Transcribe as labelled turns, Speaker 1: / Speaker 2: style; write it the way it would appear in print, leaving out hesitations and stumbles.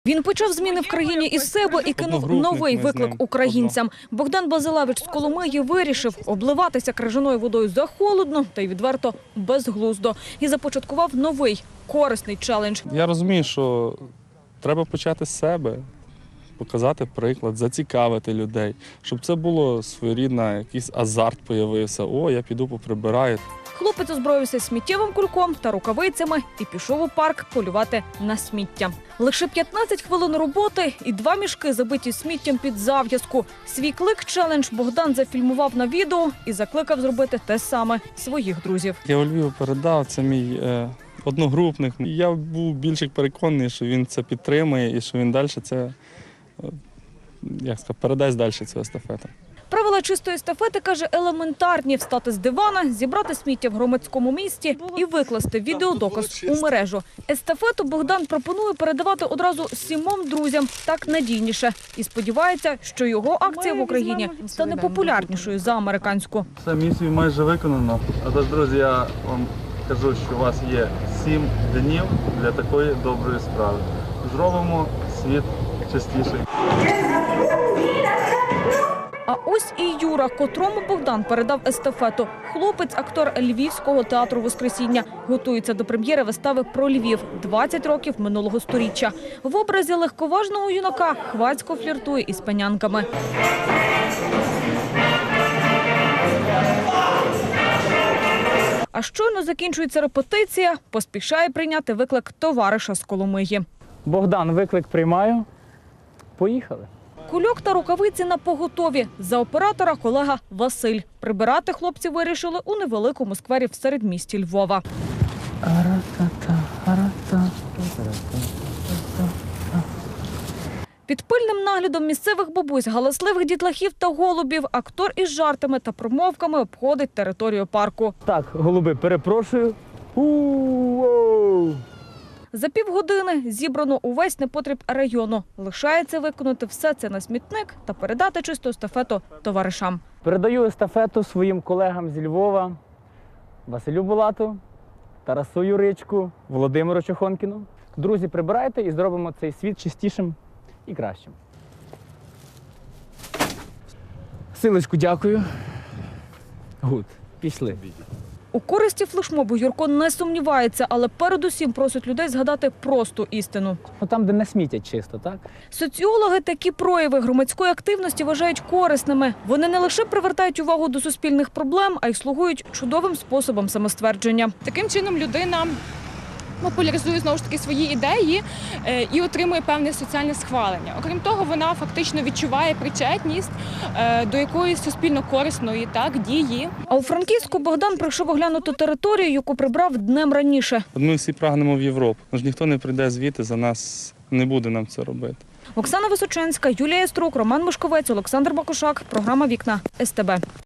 Speaker 1: Він почав зміни в країні із себе і кинув новий виклик українцям. Богдан Базилевич з Коломиї вирішив обливатися крижаною водою захолодно та й відверто безглуздо. І започаткував новий, корисний челендж.
Speaker 2: Я розумію, що треба почати з себе, показати приклад, зацікавити людей, щоб це було своєрідне, якийсь азарт появився. О, я піду поприбираю.
Speaker 1: Хлопець озброївся сміттєвим кульком та рукавицями і пішов у парк полювати на сміття. Лише 15 хвилин роботи і 2 мішки, забиті сміттям під зав'язку. Свій клик-челендж Богдан зафільмував на відео і закликав зробити те саме своїх друзів.
Speaker 2: Я у Львів передав, це мій одногрупник. Я був більш переконаний, що він це підтримує і що він далі це, передасть далі цю естафету.
Speaker 1: Правила чистої естафети, каже, елементарні – встати з дивана, зібрати сміття в громадському місці і викласти відеодоказ у мережу. Естафету Богдан пропонує передавати одразу 7 друзям, так надійніше. І сподівається, що його акція в Україні стане популярнішою за американську.
Speaker 2: Все, місію майже виконано. А тож, друзі, я вам кажу, що у вас є 7 днів для такої доброї справи. Зробимо світ чистіший.
Speaker 1: А ось і Юра, котрому Богдан передав естафету. Хлопець – актор Львівського театру «Воскресіння». Готується до прем'єри вистави про Львів 20 років минулого сторіччя. В образі легковажного юнака хвацько фліртує із панянками. А щойно закінчується репетиція, поспішає прийняти виклик товариша з Коломиї.
Speaker 3: Богдан, виклик приймаю. Поїхали.
Speaker 1: Кульок та рукавиці напоготові. За оператора колега Василь. Прибирати хлопці вирішили у невеликому сквері в середмісті Львова. Під пильним наглядом місцевих бабусь, галасливих дітлахів та голубів актор із жартами та промовками обходить територію парку.
Speaker 3: Так, голуби, перепрошую. У-оу!
Speaker 1: За півгодини зібрано увесь непотріб району. Лишається виконати все це на смітник та передати чисту естафету товаришам.
Speaker 3: Передаю естафету своїм колегам зі Львова, Василю Булату, Тарасу Юричку, Володимиру Чохонкіну. Друзі, прибирайте і зробимо цей світ чистішим і кращим. Силочку, дякую. Гуд, пішли.
Speaker 1: У користі флешмобу Юрко не сумнівається, але передусім просить людей згадати просту істину.
Speaker 3: Там, де не смітять чисто, так?
Speaker 1: Соціологи такі прояви громадської активності вважають корисними. Вони не лише привертають увагу до суспільних проблем, а й слугують чудовим способом самоствердження.
Speaker 4: Таким чином людина популяризує, знову ж таки, свої ідеї і отримує певне соціальне схвалення. Окрім того, вона фактично відчуває причетність до якоїсь суспільно корисної дії.
Speaker 1: А у Франківську Богдан прийшов оглянути територію, яку прибрав днем раніше.
Speaker 2: Ми всі прагнемо в Європу. Тож ніхто не прийде звідти за нас, не буде нам це робити.
Speaker 1: Оксана Височенська, Юлія Струк, Роман Мишковець, Олександр Бакушак. Програма «Вікна» СТБ.